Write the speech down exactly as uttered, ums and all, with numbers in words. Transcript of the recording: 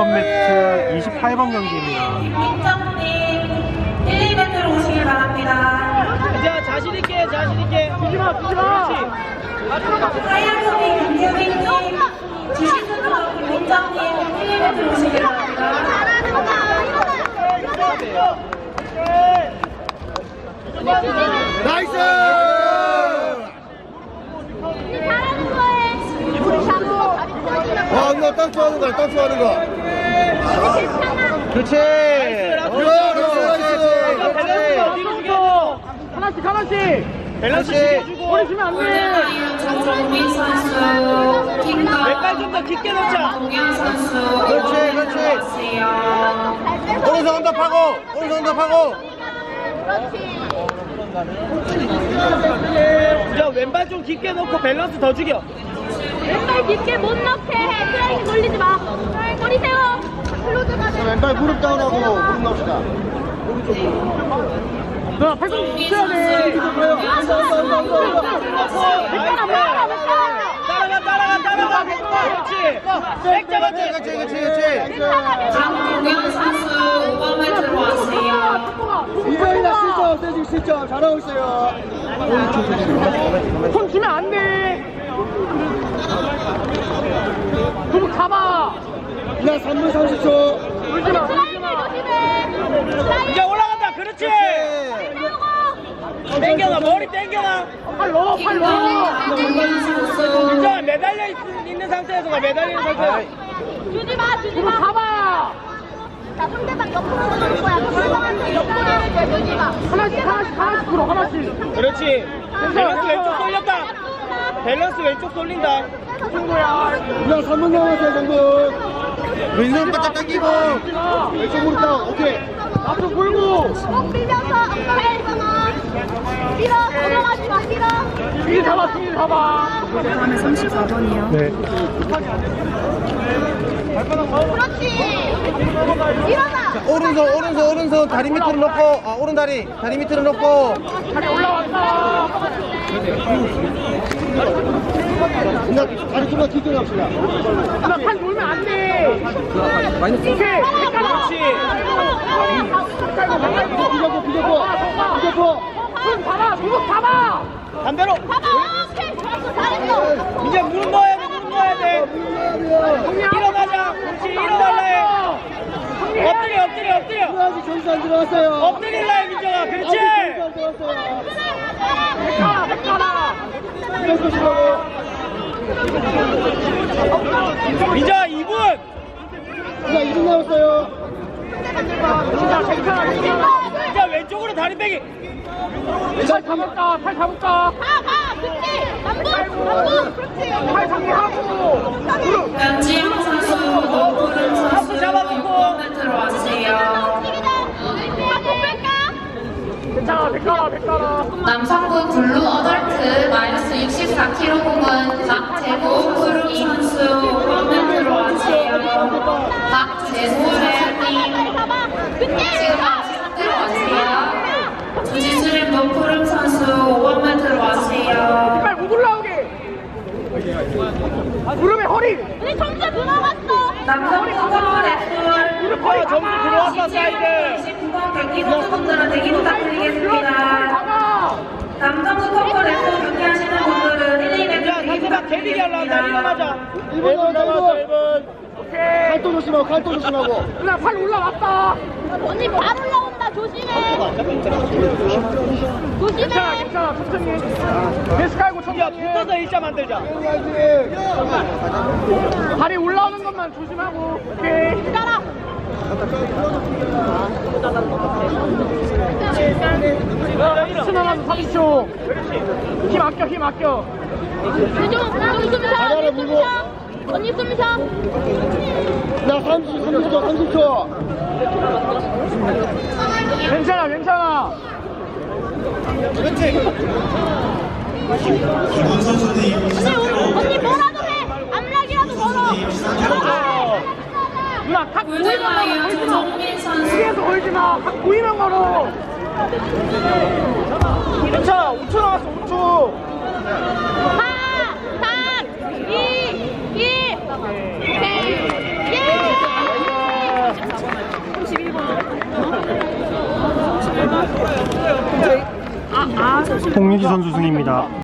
번 매트 이십팔 번 경기입니다. 김정님 일, 이 매트로 오시길 바랍니다. 자, 자신있게, 자신있게. 뛰지마, 뛰지마. 하얀소리 김규민님, 지시수로 김민정님 일, 이 매트로 오시길 바랍니다. 나이스! 잘하는 거에 우리 잡고 아, 누나 딱 좋아하는 거야, 딱 좋아하는 거. 그렇지. 그렇지, 그렇지. 뒤로 죽여. 하나씩, 하나씩. 밸런스 죽여주고. 버리시면 안 돼. 정종민 선수, 킹가 왼발 좀 더 깊게 넣자. 동현 선수, 그렇지, 그렇지. 오세요. 오른손 언더파고, 오른손 언더파고. 자, 왼발 좀 깊게 넣고 밸런스 더 죽여. 왼발 깊게 못 넣게 해. 트라이기 돌리지 마. 머리 세워. 클로즈 가자. 왼발 무릎 다운하고 무릎 넣읍시다. 자, 팔꿈치 붙여야 돼. 따라가, 따라가, 따라가. 그렇지. 백 잡았지. 그렇지, 그렇지, 그렇지. 장동현 선수 오 번 매트로 와주세요. 이거이나 실점, 세징 실점. 잘하고 있어요. 손 주면 안 돼. 도둑 잡아. 그냥 삼 분 삼십 초. 울지 마. 트라이기 조심해. 이제 올라간다. 그렇지. 땡겨놔. 머리 땡겨놔. 팔 넣어. 팔 넣어. 김동현 선수, 진짜 매달려 있, 있는 상태에서 가. 매달리는 상태에서. 주지 마. 주지 도둑 마. 잡아. 자, 상대방 옆으로 넣을 거야. 상대방한테 옆으로 넣을 주지 마. 하나씩, 하나씩, 하나씩 풀어. 하나씩. 그렇지. 밸런스 왼쪽 돌렸다. 밸런스 왼쪽 돌린다. 친구야. 그냥 삼 분 남았어요, 정도. 왼손 바짝 당기고. 왼쪽 무릎 다운. 오케이. 앞으로 불고. 목 밀면서 엉덩이 집어넣어. 밀어. 넘어가지 마. 밀어. 뒤 잡아, 뒤 잡아. 다음에 삼십사 번이요. 네. 그렇지. 일어나. 오른손, 오른손, 오른손 다리 밑으로 놓고, 아, 오른 다리, 다리 밑으로 놓고. 다리 올라왔다. 그냥 다리 좀만 뒤로 합시다. 누나 팔 놀면 안 돼. 오케이. 그렇지. 비벼고, 비벼고, 비벼고. 손 잡아. 무릎 잡아. 반대로. 봐봐. 오케이. 좋았어. 잘했어. 이제 무릎 넣어야 돼. 무릎 넣어야 돼. 일어나자. 그렇지. 일어날라 해. 엎드려, 엎드려, 엎드려. 아직 점수 안 들어왔어요. 엎드릴라 해, 민정아. 그렇지. 아직 점수 안 들어왔어요. 백가라, 백가라. 이렇게 치라고. 민정아, 이 분. 자, 이 분 남았어요. 진짜 괜찮아, 괜찮아. 진짜 왼쪽으로 다리 빼기. 팔 잡을까? 팔 잡을까? 가, 가. 그렇지. 남부. 남부. 그렇지. 팔 정리하고. 무릎. 변지영 선수, 노푸른 선수 육 번 매트로 와주세요. 괜찮아, 백가라, 백가라. 남성부 블루 어덜트 마이너스 육십사 킬로그램은 박재호 푸르기 선수 오 번 매트로 와주세요. 박재호 레아님 지금 아시 상태로 와주세요. 주지수림 노푸름 선수 오 번 매트로 와주세요. 빨리 못 올라오게. 무릎에 허리. 우리 점수 들어갔어. 남성부 커버 랩풀 무릎 허리 점수 들어왔다, 사이드. 이십구 번 경기 선수분들은 대기 부탁드리겠습니다. 잡아. 남성부 커버 랩풀 경기하시는 분들은 일, 이 매트 자, 대기 상대방 데뷔기 하려한다. 일어나자. 일 분 남았어, 일 분. 오케이. 칼도 조심하고, 칼도 조심하고. 누나 팔 올라왔다. 언니 밥 올라온다. 조심해. 조심해. 괜찮아, 괜찮아. 천천히 해. 베스 깔고 천천히 해. 붙어서 일자 만들자. 다리 올라오는 것만 조심하고. 오케이. 따라. 삼십 초 남았어, 삼십 초. 힘 아껴, 힘 아껴. 좀, 좀 숨 쉬어. 바다를 언니 숨 물고. 쉬어. 언니 숨 쉬어. 나 삼십, 삼십 초, 삼십 초. 괜찮아, 괜찮아. 그렇지. 언니, 언니 뭐라도 해. 암락이라도 걸어. 누나 탁 보이면 물대마이어 걸지 마. 조정민 선수 위에서 걸지 마. 탁 보이면 걸어. 괜찮아. 오 초 남았어, 오 초. 사, 삼, 이, 일. 오케이. 예. 삼십일 번. 삼십일 번? 아, 아, 삼십일 번. 홍유지 선수 승입니다.